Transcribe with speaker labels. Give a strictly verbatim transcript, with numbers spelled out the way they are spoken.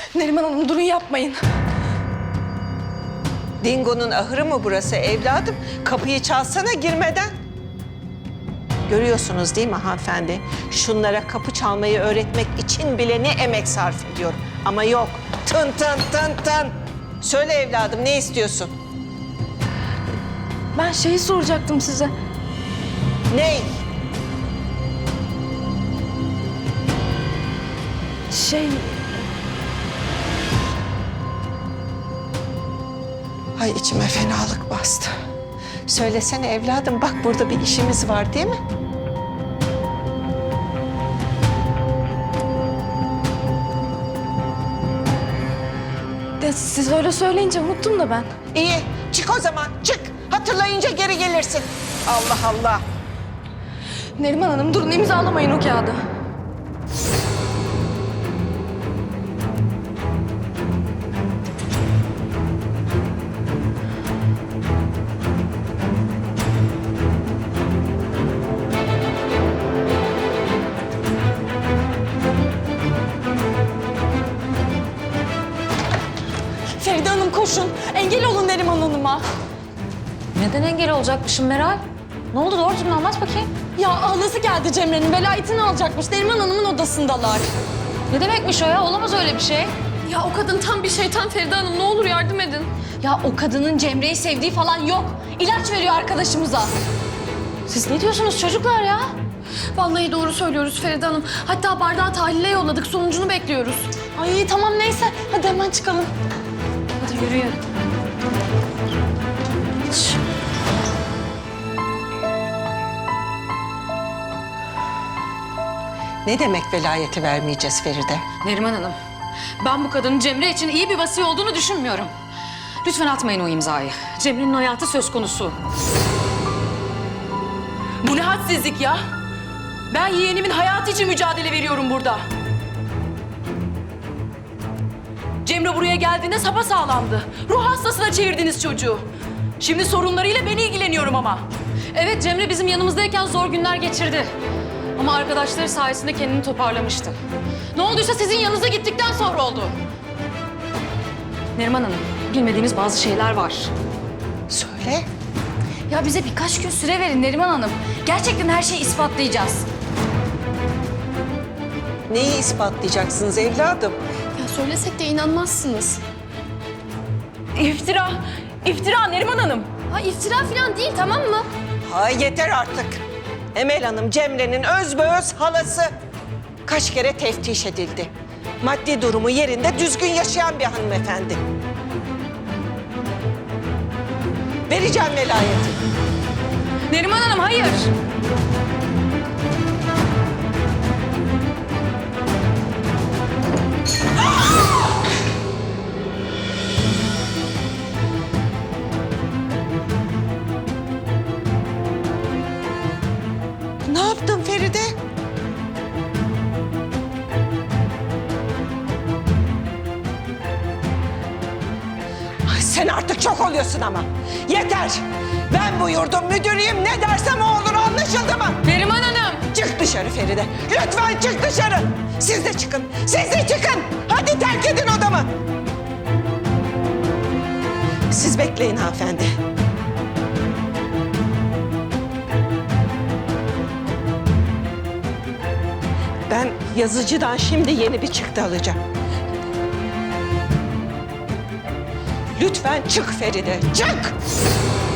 Speaker 1: Neriman Hanım durun yapmayın.
Speaker 2: Dingo'nun ahırı mı burası evladım? Kapıyı çalsana girmeden. Görüyorsunuz değil mi hanımefendi? Şunlara kapı çalmayı öğretmek için bile ne emek sarf ediyorum. Ama yok. Tın tın tın tın. Söyle evladım ne istiyorsun?
Speaker 1: Ben şeyi soracaktım size.
Speaker 2: Ney?
Speaker 1: Şey...
Speaker 2: Ay içime fenalık bastı. Söylesene evladım bak burada bir işimiz var değil mi?
Speaker 1: De, siz öyle söyleyince unuttum da ben.
Speaker 2: İyi çık o zaman çık. Hatırlayınca geri gelirsin. Allah Allah.
Speaker 1: Neriman Hanım durun imzalamayın o kağıdı. Feride Hanım koşun. Engel olun Neriman Hanım'a.
Speaker 3: Neden engel olacakmışım Meral? Ne oldu doğru düzgün anlat bakayım.
Speaker 1: Ya halası geldi Cemre'nin velayetini alacakmış. Neriman Hanım'ın odasındalar.
Speaker 3: Ne demekmiş o ya? Olamaz öyle bir şey.
Speaker 1: Ya o kadın tam bir şeytan Feride Hanım. Ne olur yardım edin.
Speaker 4: Ya o kadının Cemre'yi sevdiği falan yok. İlaç veriyor arkadaşımıza.
Speaker 3: Siz ne diyorsunuz çocuklar ya?
Speaker 1: Vallahi doğru söylüyoruz Feride Hanım. Hatta bardağı tahlile yolladık. Sonucunu bekliyoruz. Ay tamam neyse. Hadi hemen çıkalım.
Speaker 3: Hadi yürüyün.
Speaker 2: Ne demek velayeti vermeyeceğiz Feride?
Speaker 3: Neriman Hanım, ben bu kadının Cemre için iyi bir vasi olduğunu düşünmüyorum. Lütfen atmayın o imzayı. Cemre'nin hayatı söz konusu.
Speaker 5: Bu ne hadsizlik ya? Ben yeğenimin hayatı için mücadele veriyorum burada. Cemre buraya geldiğinde sapasağlamdı. Ruh hastasına çevirdiniz çocuğu. Şimdi sorunlarıyla ben ilgileniyorum ama.
Speaker 3: Evet, Cemre bizim yanımızdayken zor günler geçirdi. Ama arkadaşları sayesinde kendini toparlamıştı. Ne olduysa sizin yanınıza gittikten sonra oldu. Neriman Hanım, bilmediğimiz bazı şeyler var.
Speaker 2: Söyle.
Speaker 4: Ya bize birkaç gün süre verin Neriman Hanım. Gerçekten her şeyi ispatlayacağız.
Speaker 2: Neyi ispatlayacaksınız evladım?
Speaker 1: Ya söylesek de inanmazsınız.
Speaker 5: İftira, iftira Neriman Hanım.
Speaker 1: Ha iftira falan değil tamam mı?
Speaker 2: Ha yeter artık. Emel Hanım Cemre'nin özbeöz halası. Kaç kere teftiş edildi. Maddi durumu yerinde düzgün yaşayan bir hanımefendi. Vereceğim velayeti.
Speaker 3: Neriman Hanım, hayır.
Speaker 2: Ne yaptın Feride? Ay sen artık çok oluyorsun ama. Yeter. Ben bu yurdun müdürüyüm. Ne dersem o olur anlaşıldı mı?
Speaker 3: Neriman Hanım.
Speaker 2: Çık dışarı Feride. Lütfen çık dışarı. Siz de çıkın. Siz de çıkın. Hadi terk edin odamı. Siz bekleyin hanımefendi. Ben yazıcıdan şimdi yeni bir çıktı alacağım. Lütfen çık Feride, çık!